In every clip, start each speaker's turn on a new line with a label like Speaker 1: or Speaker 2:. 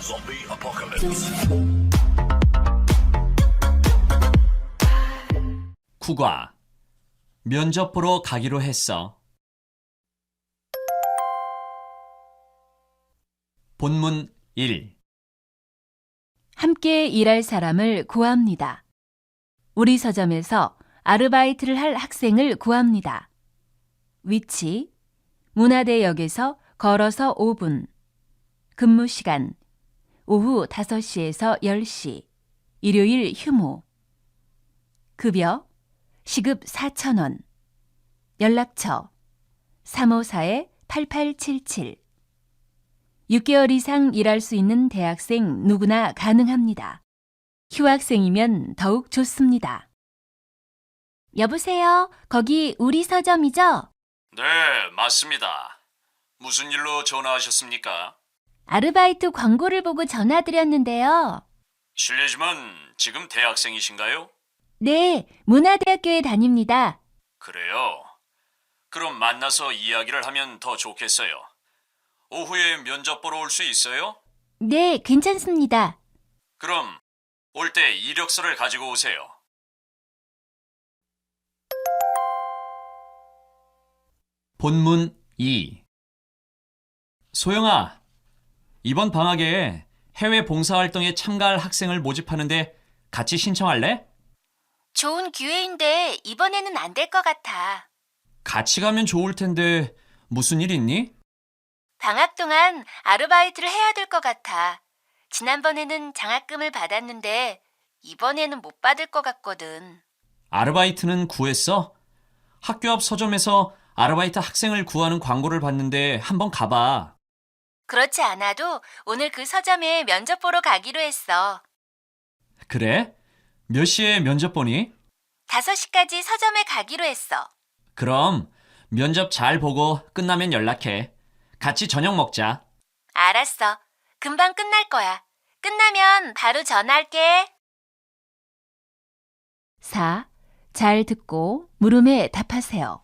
Speaker 1: Zombie apocalypse.
Speaker 2: 국화. 면접 보러 가기로 했어. 본문 1.
Speaker 3: 함께 일할 사람을 구합니다. 우리 서점에서 아르바이트를 할 학생을 구합니다. 위치: 문화대역에서 걸어서 5분. 근무 시간: 오후 5시에서 10시. 일요일 휴무. 급여: 시급 4,000원. 연락처: 354-8877. 6개월 이상 일할 수 있는 대학생 누구나 가능합니다. 휴학생이면 더욱 좋습니다. 여보세요? 거기 우리 서점이죠?
Speaker 2: 네, 맞습니다. 무슨 일로 전화하셨습니까?
Speaker 3: 아르바이트 광고를 보고 전화드렸는데요.
Speaker 2: 실례지만 지금 대학생이신가요?
Speaker 3: 네, 문화대학교에 다닙니다.
Speaker 2: 그래요. 그럼 만나서 이야기를 하면 더 좋겠어요. 오후에 면접 보러 올 수 있어요?
Speaker 3: 네, 괜찮습니다.
Speaker 2: 그럼 올 때 이력서를 가지고 오세요. 본문 2. 소영아, 이번 방학에 해외 봉사활동에 참가할 학생을 모집하는데 같이 신청할래?
Speaker 3: 좋은 기회인데 이번에는 안 될 것 같아.
Speaker 2: 같이 가면 좋을 텐데 무슨 일 있니?
Speaker 3: 방학 동안 아르바이트를 해야 될 것 같아. 지난번에는 장학금을 받았는데 이번에는 못 받을 것 같거든.
Speaker 2: 아르바이트는 구했어? 학교 앞 서점에서 아르바이트 학생을 구하는 광고를 봤는데 한번 가봐.
Speaker 3: 그렇지 않아도 오늘 그 서점에 면접 보러 가기로 했어.
Speaker 2: 그래? 몇 시에 면접 보니?
Speaker 3: 5시까지 서점에 가기로 했어.
Speaker 2: 그럼 면접 잘 보고 끝나면 연락해. 같이 저녁 먹자.
Speaker 3: 알았어. 금방 끝날 거야. 끝나면 바로 전화할게. 4. 잘 듣고 물음에 답하세요.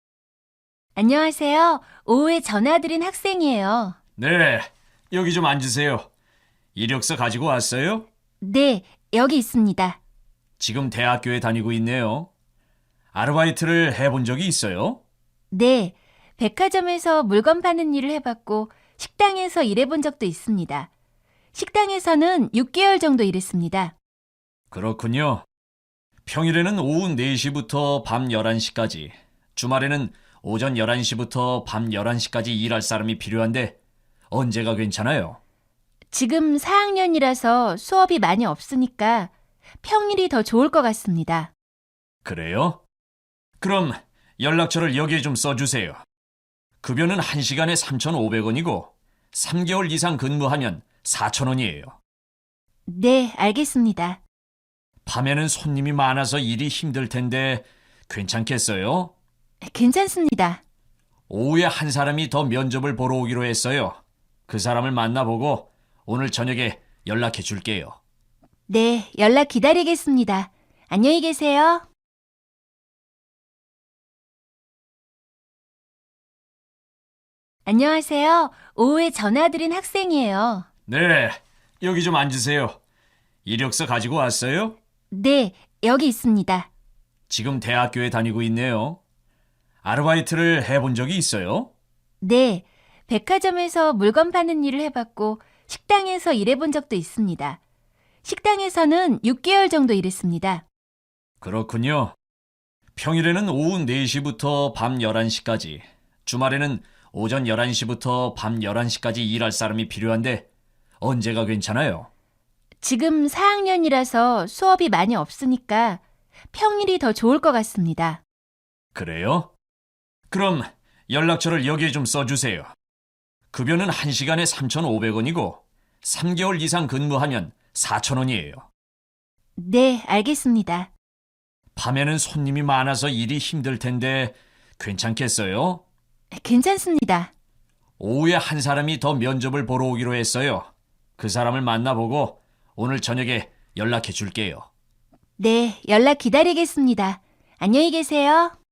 Speaker 3: 안녕하세요. 오후에 전화드린 학생이에요.
Speaker 2: 네, 여기 좀 앉으세요. 이력서 가지고 왔어요?
Speaker 3: 네, 여기 있습니다.
Speaker 2: 지금 대학교에 다니고 있네요. 아르바이트를 해본 적이 있어요?
Speaker 3: 네, 백화점에서 물건 파는 일을 해봤고 식당에서 일해본 적도 있습니다. 식당에서는 6개월 정도 일했습니다.
Speaker 2: 그렇군요. 평일에는 오후 4시부터 밤 11시까지, 주말에는 오전 11시부터 밤 11시까지 일할 사람이 필요한데 언제가 괜찮아요?
Speaker 3: 지금 4학년이라서 수업이 많이 없으니까 평일이 더 좋을 것 같습니다.
Speaker 2: 그래요? 그럼 연락처를 여기에 좀 써주세요. 급여는 1시간에 3,500원이고 3개월 이상 근무하면 4,000원이에요.
Speaker 3: 네, 알겠습니다.
Speaker 2: 밤에는 손님이 많아서 일이 힘들 텐데 괜찮겠어요?
Speaker 3: 괜찮습니다.
Speaker 2: 오후에 한 사람이 더 면접을 보러 오기로 했어요. 그 사람을 만나보고 오늘 저녁에 연락해 줄게요.
Speaker 3: 네, 연락 기다리겠습니다. 안녕히 계세요. 안녕하세요. 오후에 전화드린 학생이에요.
Speaker 2: 네, 여기 좀 앉으세요. 이력서 가지고 왔어요?
Speaker 3: 네, 여기 있습니다.
Speaker 2: 지금 대학교에 다니고 있네요. 아르바이트를 해본 적이 있어요?
Speaker 3: 네, 백화점에서 물건 파는 일을 해봤고 식당에서 일해본 적도 있습니다. 식당에서는 6개월 정도 일했습니다.
Speaker 2: 그렇군요. 평일에는 오후 4시부터 밤 11시까지, 주말에는 오전 11시부터 밤 11시까지 일할 사람이 필요한데 언제가 괜찮아요?
Speaker 3: 지금 4학년이라서 수업이 많이 없으니까 평일이 더 좋을 것 같습니다.
Speaker 2: 그래요? 그럼 연락처를 여기에 좀 써주세요. 급여는 1시간에 3,500원이고 3개월 이상 근무하면 4,000원이에요.
Speaker 3: 네, 알겠습니다.
Speaker 2: 밤에는 손님이 많아서 일이 힘들 텐데 괜찮겠어요?
Speaker 3: 괜찮습니다.
Speaker 2: 오후에 한 사람이 더 면접을 보러 오기로 했어요. 그 사람을 만나보고 오늘 저녁에 연락해 줄게요.
Speaker 3: 네, 연락 기다리겠습니다. 안녕히 계세요.